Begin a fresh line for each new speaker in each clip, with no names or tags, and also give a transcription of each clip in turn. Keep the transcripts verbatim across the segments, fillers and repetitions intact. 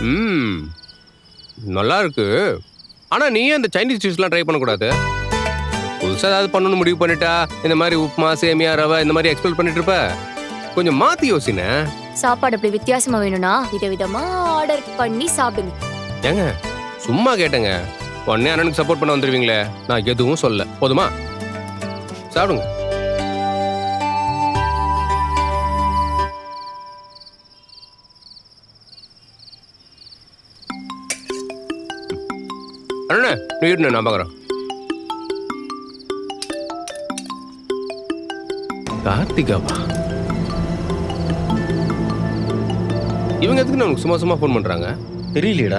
ம் நல்லா இருக்கு. ஆனா நீ ஏன் இந்த சைனீஸ் டிஷ்லாம் ட்ரை பண்ணக்கூடாது? புதுசா ஏதாவது பண்ணணும்னு முடிவு பண்ணிட்டா இந்த மாதிரி உப்புமா சேமியா ரவை இந்த மாதிரி எக்ஸ்பெக்ட் பண்ணிட்டு இருப்ப. கொஞ்சம் மாத்தி யோசினே.
சாப்பாடு அப்படி வித்தியாசமா வேணும்னா விதவிதமா ஆர்டர் பண்ணி சாப்பிடுங்க.
ஏங்க சும்மா கேட்டேங்க. உடனே அண்ணனுக்கு சப்போர்ட் பண்ண வந்துருவீங்களே. நான் எதுவும் சொல்ல. போதுமா? சாப்பிடுங்க. அண்ணா நீ இருண்ணே, நான் பார்க்குறேன். கார்த்திகாவா? இவங்க எதுக்கு நமக்கு சும்மா சும்மா ஃபோன் பண்றாங்க?
தெரியலையடா.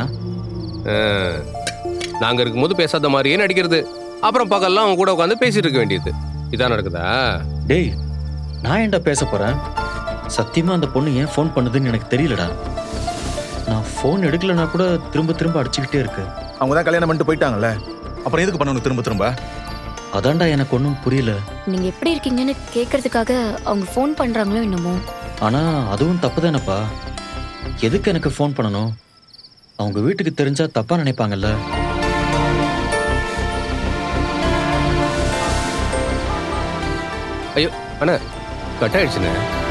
நாங்க இருக்கும்போது பேசாத மாதிரியே நடிக்கிறது, அப்புறம் பகல்லாம் அவங்க கூட உட்காந்து பேசிட்டு இருக்க வேண்டியது. இதான் நடக்குதா?
டேய், நான் ஏன்டா பேச போறேன்? சத்தியமா அந்த பொண்ணு ஏன் ஃபோன் பண்ணுதுன்னு எனக்கு தெரியலடா. நான் ஃபோன் எடுக்கலனா கூட திரும்ப திரும்ப அடிச்சுக்கிட்டே இருக்கு.
அவங்க தான் கல்யாணம் பண்ணிட்டு போயிட்டாங்கல்ல, அப்புறம் எதுக்கு பண்ணணும் திரும்ப திரும்ப?
அதான்டா எனக்கு ஒன்றும் புரியல.
நீங்க எப்படி இருக்கீங்கன்னு கேட்கறதுக்காக அவங்க ஃபோன் பண்றாங்களோ என்னமோ.
ஆனா அதுவும் தப்பு தானப்பா. எதுக்கு எனக்கு ஃபோன் பண்ணணும்? அவங்க வீட்டுக்கு தெரிஞ்சா தப்பா நினைப்பாங்கல்ல.
ஐயோ அண்ணா, கட் ஆயிடுச்சுண்ணே.